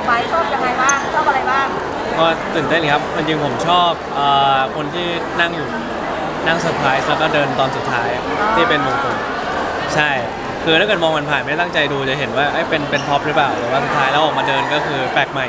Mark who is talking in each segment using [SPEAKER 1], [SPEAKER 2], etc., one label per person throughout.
[SPEAKER 1] ไหมชอบยังไงบ้างชอบอะไรบ้าง
[SPEAKER 2] ก็ตื่นเต้นครับจริงๆผมชอบคนที่นั่งอยู่นั่งเซอร์ไพรส์แล้วก็เดินตอนสุดท้ายที่เป็นมงคลใช่คือถ้าเกิดมองมันผ่านไม่ได้ตั้งใจดูจะเห็นว่าเป็นพ็อปหรือเปล่าหรือว่าสุดท้ายแล้วออกมาเดินก็คือแปลกใหม่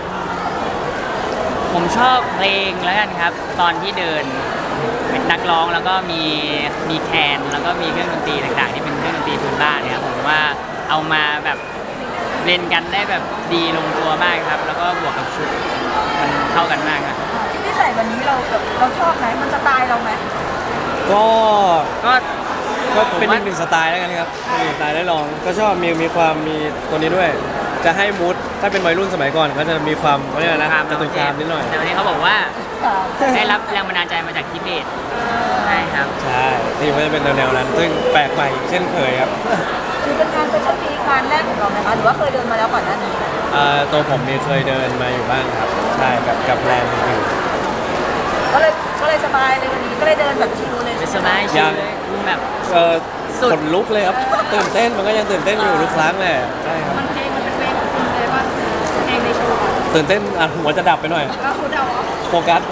[SPEAKER 3] ผมชอบเพลงแล้วกันครับตอนที่เดินเป็นนักร้องแล้วก็มีแคนแล้วก็มีเครื่องดนตรีต่างๆที่เป็นเครื่องดนตรีพื้นบ้านเนี่ยครับผมว่าเอามาแบบเล่นกันได้แบบดีลงตัวมากครับแล้วก็บวกกับชุดมันเข้ากันมากครับ
[SPEAKER 1] ที่ใส่วันนี้เราชอบไหมมันสไตล์เราไหม
[SPEAKER 2] ก็
[SPEAKER 3] ก็
[SPEAKER 2] ก็เป็นอีกหนึ่งสไตล์แล้วกันครับเป็นอีกสไตล์ได้ลองก็ชอบมีความมีตัวนี้ด้วย จะให้มูดถ้าเป็นวัยรุ่นสมัยก่อนก็จะมีความเขาเรียกอะไรนะจะตุยคามนิดหน่อย
[SPEAKER 3] แต่วันนี้เขาบอกว่าได้รับแรงบันดาลใจมาจากทิเบตใช่ครับ
[SPEAKER 2] ใช่ที่มันจะเป็นแนวนั้นซึ่งแปลกใหม่เช่นเคยครับ
[SPEAKER 1] คือเป็นงานเป็นชั้นปีงานแรกของเราไหมคะหรือว่าเคยเดินมาแล้วก่อนหน้านี้
[SPEAKER 2] ตัวผมมีเคยเดินมาอยู่บ้างครับใช่กับแบรนด์อื่น
[SPEAKER 1] ก็เลยสบายเลยวันนี้ก็เลยเดินแบบชิลเลย
[SPEAKER 3] สบายชิลเลยแบบ
[SPEAKER 2] ขนลุกเลยครับตื่นเต้นมันก็ยังตื่นเต้นอยู่ทุกครั้งแหละใช่ครับ
[SPEAKER 1] มันเพลงมันเป็นเพลงของคุณเลยป่ะเพลงในโชว์
[SPEAKER 2] ตื่นเต้นหัวจะดับไปหน่อย
[SPEAKER 1] คุณเดา
[SPEAKER 2] โฟกัส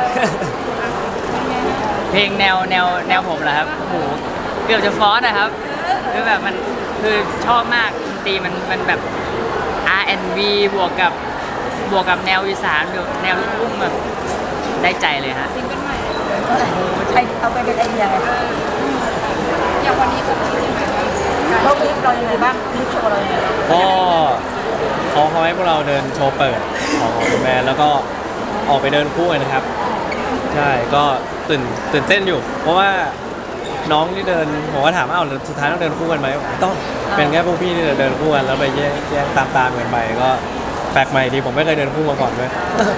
[SPEAKER 3] เพลงแนวผมเหรอครับโอ้โหเกือบจะฟอสนะครับคือแบบมันคือชอบมากดนตรีมันแบบ R&B บวกกับแนวอีสานแบบแนวลูกทุ่งแบบได้ใจเลยฮะ
[SPEAKER 1] ซิงเกิลใหม่เอาไปเป็นไอเดียไงอย่างวันนี้เขาคิดยังไงบ้างเราคลิปเรายังไงบ้างคลิปโชว์เรายังไง
[SPEAKER 2] ก็เขาให้พวกเราเดินโชว์เปิดของแบรนด์แล้วก็ออกไปเดินคู่กันนะครับใช่ก็ตื่นเต้นอยู่เพราะว่าน้องที่เดินผมก็ถามว่าสุดท้ายต้องเดินคู่กันไหมต้องเป็นแค่พวกพี่ที่เดินคู่กันแล้วไปแยกตามกันไปก็แปลกใหม่ดีผมไม่เคยเดินคู่มาก่อนด้วย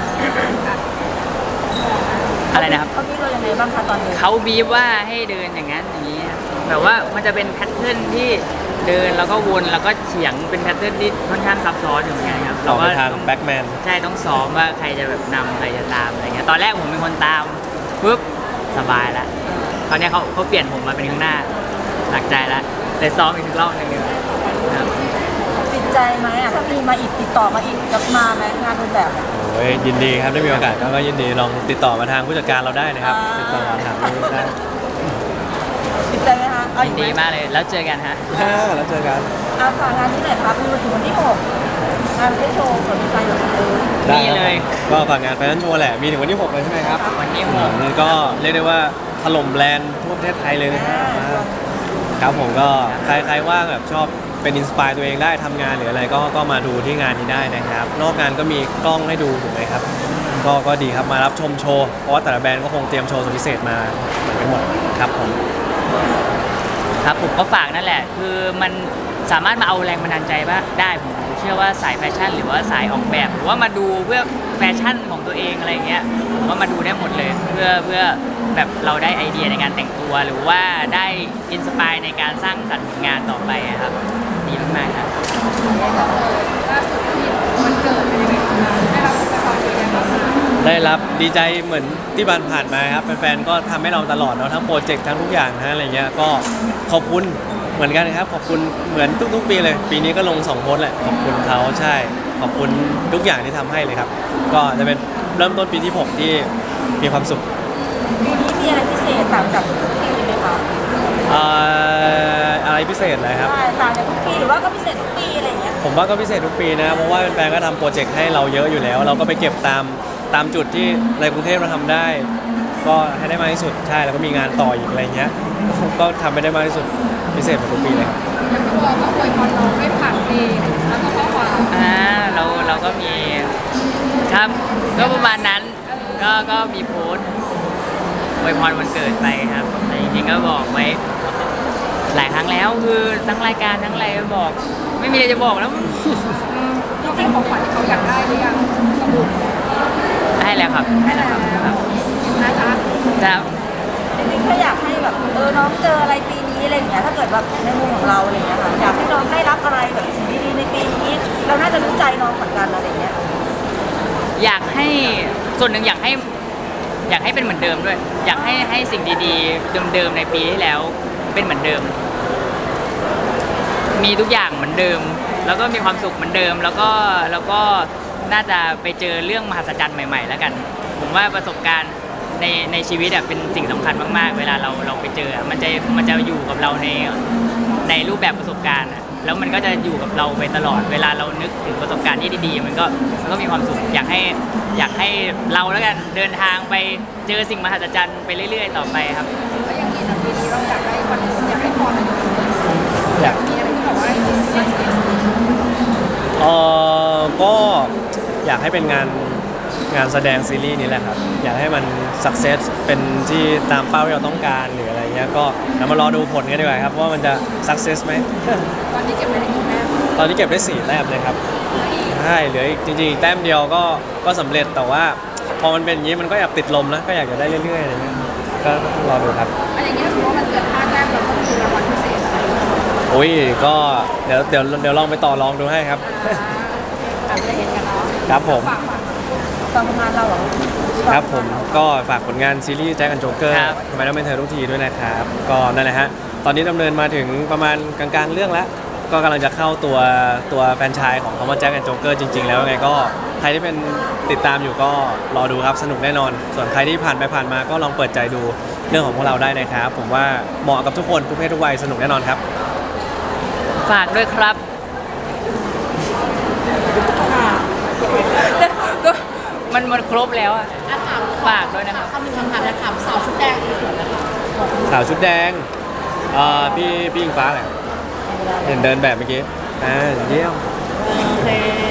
[SPEAKER 3] อะไรนะครับ
[SPEAKER 1] เขาบีบเรายังไงบ้างคะตอนนี้
[SPEAKER 3] เขาบีบว่าให้เดินอย่างนั้นอย่างนี้แบบว่ามันจะเป็นแพทเทิร์นที่เดินแล้วก็วนแล้วก็เฉียงเป็นแพทเทิร์นที่ค่อนข้างซับซ้อนอยู่เหมือนกันครับ
[SPEAKER 2] เราก็ทางแบ็กแมน
[SPEAKER 3] ใช่ต้องซ้อมว่าใครจะแบบนำใครจะตามอะไรเงี้ยตอนแรกผมเป็นคนตามปุ๊บสบายแล้วคราวนี้เขาเปลี่ยนผมมาเป็นข้างหน้าหนักใจแล้วเลยซ้อมอีกรอบนึงครับ
[SPEAKER 1] ติดใจไหมถ้ามีมาอีกติดต่อมาอีกจะมาไหมงานรูปแบบ
[SPEAKER 2] โอ้ยยินดีครับได้มีโอกาสก็ยินดีลองติดต่อมาทางผู้จัดการเราได้นะครับติดต่อมาถามได้
[SPEAKER 1] ติดใจไหมคะ
[SPEAKER 3] ยินดีมากเลยแล้วเจอกันฮะ
[SPEAKER 2] แล้วเจอกัน
[SPEAKER 1] ฝากงานที่ไหนครับมีวันถึงวันที่6งานได้โชว์เปิดใจหรือ
[SPEAKER 2] ได้เลยก็ฝากงานแฟชั่นโชว์แหละมีถึงวันที่6เลยใช่ไหมครับ
[SPEAKER 3] วันที่6
[SPEAKER 2] ก็เรียกได้ว่าถล่มแบรนด์ทั่วประเทศไทยเลยนะครับผมก็ใครว่างแบบชอบเป็นอินสปายตัวเองได้ทำงานหรืออะไรก็มาดูที่งานนี้ได้นะครับนอกงานก็มีกล้องให้ดูถูกไหมครับก็ดีครับมารับชมโชว์เพราะว่าแต่ละแบรนด์ก็คงเตรียมโชว์สุดพิเศษมาเหมือนกันหมดครับผม
[SPEAKER 3] ก็ฝากนั่นแหละคือมันสามารถมาเอาแรงบันดาลใจว่าได้ผมเชื่อว่าสายแฟชั่นหรือว่าสายออกแบบหรือว่ามาดูเพื่อแฟชั่นของตัวเองอะไรเงี้ยผมว่ามาดูได้หมดเลยเพื่อแบบเราได้ไอเดียในการแต่งตัวหรือว่าได้อินสปายในการสร้างสรรค์ผลงานต่อไปครับดีมากๆครับ
[SPEAKER 1] ล่าสุดที่วันเกิดเป็นยังไงบ้างได้รับของขวัญยังไงบ้าง
[SPEAKER 2] ได้รับดีใจเหมือนที่ผ่านมาครับแฟนๆก็ทำให้เราตลอดเนาะทั้งโปรเจกต์ทั้งทุกอย่างนะอะไรเงี้ยก็ขอบคุณเหมือนกันครับขอบคุณเหมือนทุกๆปีเลยปีนี้ก็ลง2โพสต์แหละขอบคุณเขาใช่ขอบคุณทุกอย่างที่ทำให้เลยครับก็จะเป็นเริ่มต้นปีที่6ที่มีความสุข
[SPEAKER 1] ปีนี้มีอะไรพิเศษต่างจากทุกปีไหมคะ
[SPEAKER 2] อะไรพิเศษอะไรครับ
[SPEAKER 1] ต่างจากทุกปีหรือว่าก็พิเศษทุกปีอะไรเงี้ย
[SPEAKER 2] ผมว่าก็พิเศษทุกปีนะเพราะว่าแฟนๆก็ทำโปรเจกต์ให้เราเยอะอยู่แล้วเราก็ไปเก็บตามจุดที่ในกรุงเทพเราทำได้ก็ให้ได้มากที่สุดใช่แล้วก็มีงานต่ออีกอะไรเงี้ยก็ทำไปได้มากที่สุดพิเศษกว่าทุกปีเลยครับ
[SPEAKER 1] อย่างที่บอกก็อวยพรน้องได้ผ่านเพลงแล้วก็ข้อความ
[SPEAKER 3] เราก็มีครับก็ประมาณนั้นก็มีโพสต์อวยพรวันเกิดไปครับแต่จริงๆก็บอกไว้หลายครั้งแล้วคือทั้งรายการทั้งอะไรบอกไม่มีอะไรจะบอกแล้ว
[SPEAKER 1] เราให้ของขวัญที่เขาอยากได้หรือยังสมุด
[SPEAKER 3] ให้แล้วครับ
[SPEAKER 1] ให้แล้วนะคะ
[SPEAKER 3] ครับ
[SPEAKER 1] จริงๆก็อยากให้แบบน้องเจออะไรปีนี้อะไรอย่างเงี้ยถ้าเกิดแบบในมุมของเราอะไรอย่างเงี้ยค่ะอยากให้น้องได้รับอะไรแบบสิ่งดีๆในปีนี้เราน่าจะรู้ใจน้องเหมือนกันอะไรอย่างเงี้ย
[SPEAKER 3] อยากให้ส่วนหนึ่งอยากให้เป็นเหมือนเดิมด้วยอยากให้สิ่งดีๆเดิมๆในปีที่แล้วเป็นเหมือนเดิมมีทุกอย่างเหมือนเดิมแล้วก็มีความสุขเหมือนเดิมแล้วก็น่าจะไปเจอเรื่องมหัศจรรย์ใหม่ๆแล้วกัน ผมว่าประสบการณ์ในชีวิตเป็นสิ่งสำคัญมากๆเวลาเราไปเจอมันจะอยู่กับเราในรูปแบบประสบการณ์อะแล้วมันก็จะอยู่กับเราไปตลอดเวลาเรานึกถึงประสบการณ์ที่ดีๆมันก็มีความสุขอยากให้เราแล้วกันเดินทางไปเจอสิ่งมหัศจรรย์ไปเรื่อยๆต่อไปครับ
[SPEAKER 1] แล้วอย่างนี้นะปีนี้เราอยากได้วันอยากให้พรอะไร
[SPEAKER 2] อยาก
[SPEAKER 1] มีอะไรที่แบบว่า
[SPEAKER 2] ก็อยากให้เป็นงานแสดงซีรีส์นี้แหละครับ อยากให้มันสักเซสเป็นที่ตามเป้าที่เราต้องการหรืออะไรเงี้ยก็เดี๋ยวมารอดูผลกันดีกว่าครับว่ามันจะสักเซสไหม
[SPEAKER 1] ตอนนี้เก็บไว้ได้กี่แต้ม
[SPEAKER 2] ตอนนี้เก็บได้4 แต้มเลยครับใช่เหลืออีกจริงๆอีกแต้มเดียวก็สำเร็จแต่ว่าพอมันเป็นอย่างนี้มันก็อยากติดลมนะก็อยากจะได้เรื่อยๆอะไรเงี้ยก็รอดูครับ
[SPEAKER 1] อันอย่างนี้ถ้าสมมติว่ามันเกิด5 แต้มเราต้องมีรางวัลพิเศษอะไร
[SPEAKER 2] อุ้ยก็เดี๋ยวลองไปต่อลองดูให้ครับ
[SPEAKER 1] อาจจะเห็นกันเนาะ
[SPEAKER 2] ครับผม
[SPEAKER 1] ฝากผลงานเราเหรอ
[SPEAKER 2] ครับผมก็ฝากผลงานซีรีส์แจ็คแอนด์โจ๊กเกอร์
[SPEAKER 3] ครับ
[SPEAKER 2] ทำไมต้องเป็นเธอทุกทีด้วยนะครับก็นั่นแหละฮะตอนนี้ดำเนินมาถึงประมาณกลางๆเรื่องแล้วก็กำลังจะเข้าตัวแฟรนไชส์ของคำว่าแจ็คแอนด์โจ๊กเกอร์จริงๆแล้วยังไงก็ใครที่เป็นติดตามอยู่ก็รอดูครับสนุกแน่นอน ส่วนใครที่ผ่านไปผ่านมาก็ลองเปิดใจดูเรื่องของพวกเราได้นะครับผมว่าเหมาะกับทุกคนทุกเพศทุกวัยสนุกแน่นอนครับ
[SPEAKER 3] ฝากด้วยครับ ก็มันครบแล้วอะ
[SPEAKER 1] ถาม
[SPEAKER 3] ฝากด้วยนะครับ
[SPEAKER 1] คำหนึ่งคำถามนะถามสาวชุดแดงสวยนะคะ
[SPEAKER 2] สาวชุดแดงพี่อิงฟ้าแหละเห็นเดินแบบเมื่อกี้เยี่ยม
[SPEAKER 1] โอเค